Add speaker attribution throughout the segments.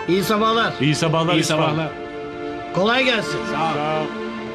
Speaker 1: İyi sabahlar.
Speaker 2: İyi sabahlar.
Speaker 3: İyi sabahlar.
Speaker 1: Kolay gelsin.
Speaker 2: Sağ ol.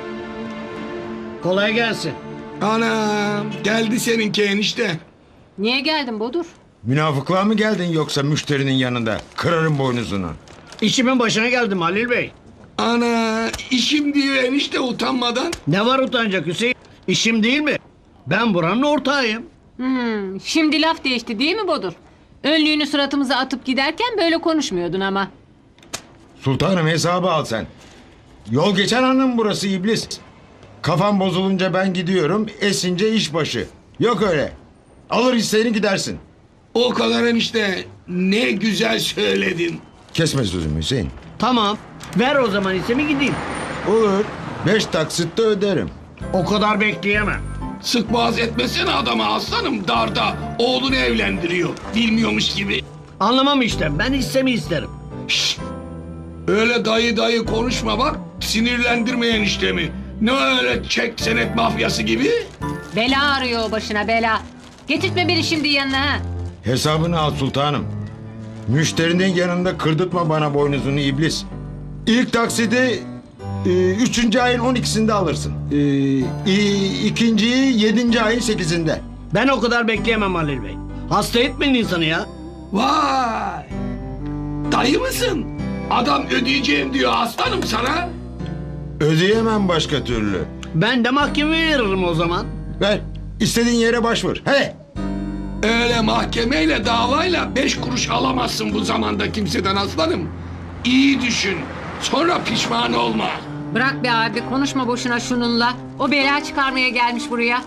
Speaker 1: Kolay gelsin.
Speaker 4: Anam geldi seninki enişte.
Speaker 5: Niye geldin Bodur?
Speaker 6: Münafıklığa mı geldin yoksa müşterinin yanında? Kırarım boynuzunu.
Speaker 1: İşimin başına geldim Halil Bey.
Speaker 4: Ana işim diyor enişte utanmadan.
Speaker 1: Ne var utanacak Hüseyin? İşim değil mi? Ben buranın ortağıyım.
Speaker 5: Şimdi laf değişti değil mi Bodur? Önlüğünü suratımıza atıp giderken böyle konuşmuyordun ama.
Speaker 6: Sultanım hesabı al sen. Yol geçen hanım burası iblis. Kafam bozulunca ben gidiyorum, esince iş başı. Yok öyle. Alır hisseni gidersin.
Speaker 4: O kadar enişte ne güzel söyledin.
Speaker 6: Kesme sözümü Hüseyin.
Speaker 1: Tamam. Ver o zaman hissemi gideyim.
Speaker 6: Olur. 5 taksitte öderim.
Speaker 1: O kadar bekleyemem.
Speaker 4: Sık boğaz etmesene adama aslanım darda. Oğlunu evlendiriyor. Bilmiyormuş gibi.
Speaker 1: Anlamam işte. Ben hissemi isterim.
Speaker 4: Şşt! Öyle dayı konuşma bak. Sinirlendirme eniştemi. Ne öyle çek senet mafyası gibi?
Speaker 5: Bela arıyor o başına bela. Getirtme beni şimdi yanına ha.
Speaker 6: Hesabını al sultanım. Müşterinin yanında kırdırtma bana boynuzunu iblis. İlk taksidi 3. ayın 12'sinde alırsın. İkinciyi 7. ayın 8'inde.
Speaker 1: Ben o kadar bekleyemem Halil Bey. Hasta etmeyin insanı ya.
Speaker 4: Vay! Dayı mısın? Adam ödeyeceğim diyor aslanım sana.
Speaker 6: Ödeyemem başka türlü.
Speaker 1: Ben de mahkemeye veririm o zaman.
Speaker 6: Ver. İstediğin yere başvur. He.
Speaker 4: Öyle mahkemeyle davayla 5 kuruş alamazsın bu zamanda kimseden aslanım. İyi düşün. Sonra pişman olma.
Speaker 5: Bırak be abi konuşma boşuna şununla. O bela çıkarmaya gelmiş buraya.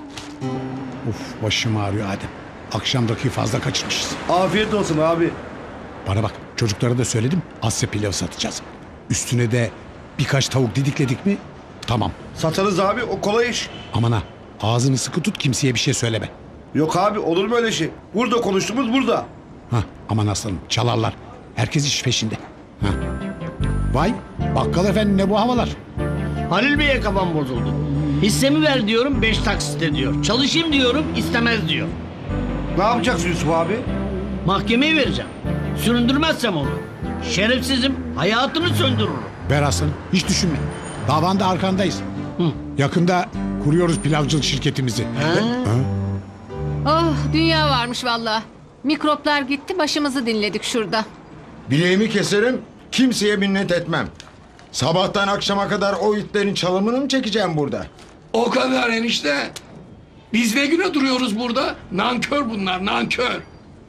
Speaker 3: Uf başım ağrıyor Adem. Akşamdaki fazla kaçırmışız.
Speaker 7: Afiyet olsun abi.
Speaker 3: Bana bak çocuklara da söyledim. Asya pilavı satacağız. Üstüne de birkaç tavuk didikledik mi tamam.
Speaker 7: Satarız abi, o kolay iş.
Speaker 3: Aman ha ağzını sıkı tut kimseye bir şey söyleme.
Speaker 7: Yok abi, olur mu öyle şey? Burada konuştuğumuz burada.
Speaker 3: Hah, aman aslanım çalarlar. Herkes iş peşinde. Hah. Vay bakkal efendi ne bu havalar?
Speaker 1: Halil Bey'e kafam bozuldu. Hissemi ver diyorum 5 taksitte diyor. Çalışayım diyorum istemez diyor.
Speaker 7: Ne yapacaksın Yusuf abi?
Speaker 1: Mahkemeye vereceğim. Süründürmezsem onu. Şerefsizim hayatını söndürürüm.
Speaker 3: Ver aslanım hiç düşünme. Davanda arkandayız. Yakında kuruyoruz pilavcılık şirketimizi.
Speaker 5: Oh dünya varmış vallahi. Mikroplar gitti başımızı dinledik şurada.
Speaker 6: Bileğimi keserim. Kimseye minnet etmem. Sabahtan akşama kadar o itlerin çalımını mı çekeceğim burada?
Speaker 4: O kadar enişte. Biz ne güne duruyoruz burada? Nankör bunlar, nankör.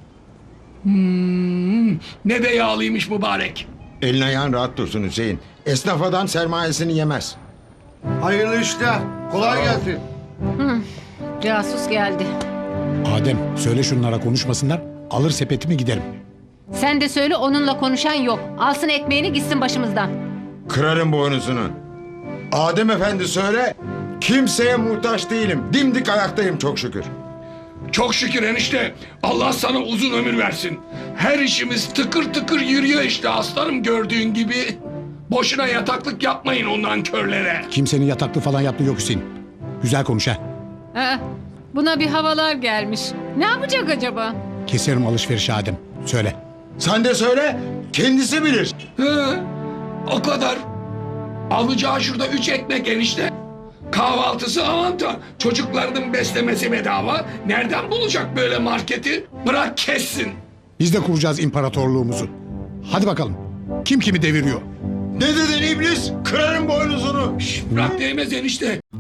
Speaker 4: Ne de yağlıymış mübarek.
Speaker 6: Elin ayağın rahat dursun Hüseyin. Esnaf adam sermayesini yemez.
Speaker 7: Hayırlı işler. Kolay gelsin.
Speaker 5: Casus geldi.
Speaker 3: Adem söyle şunlara konuşmasınlar. Alır sepetimi giderim.
Speaker 5: Sen de söyle onunla konuşan yok. Alsın ekmeğini gitsin başımızdan.
Speaker 6: Kırarım boynuzunu. Adem efendi söyle. Kimseye muhtaç değilim. Dimdik ayaktayım çok şükür.
Speaker 4: Çok şükür enişte. Allah sana uzun ömür versin. Her işimiz tıkır tıkır yürüyor işte aslanım gördüğün gibi. Boşuna yataklık yapmayın o nankörlere.
Speaker 3: Kimsenin yataklı falan yaptığı yok Hüseyin. Güzel konuş ha.
Speaker 5: Buna bir havalar gelmiş. Ne yapacak acaba?
Speaker 3: Keserim alışverişi Adem. Söyle.
Speaker 6: Sen de söyle. Kendisi bilir.
Speaker 4: He, o kadar. Alacağı şurada 3 ekmek enişte. Kahvaltısı avanta. Çocuklarının beslemesi bedava. Nereden bulacak böyle marketi? Bırak kessin.
Speaker 3: Biz de kuracağız imparatorluğumuzu. Hadi bakalım. Kim kimi deviriyor?
Speaker 6: Ne dedin iblis? Kırarım boynuzunu.
Speaker 4: Bırak değmez enişte.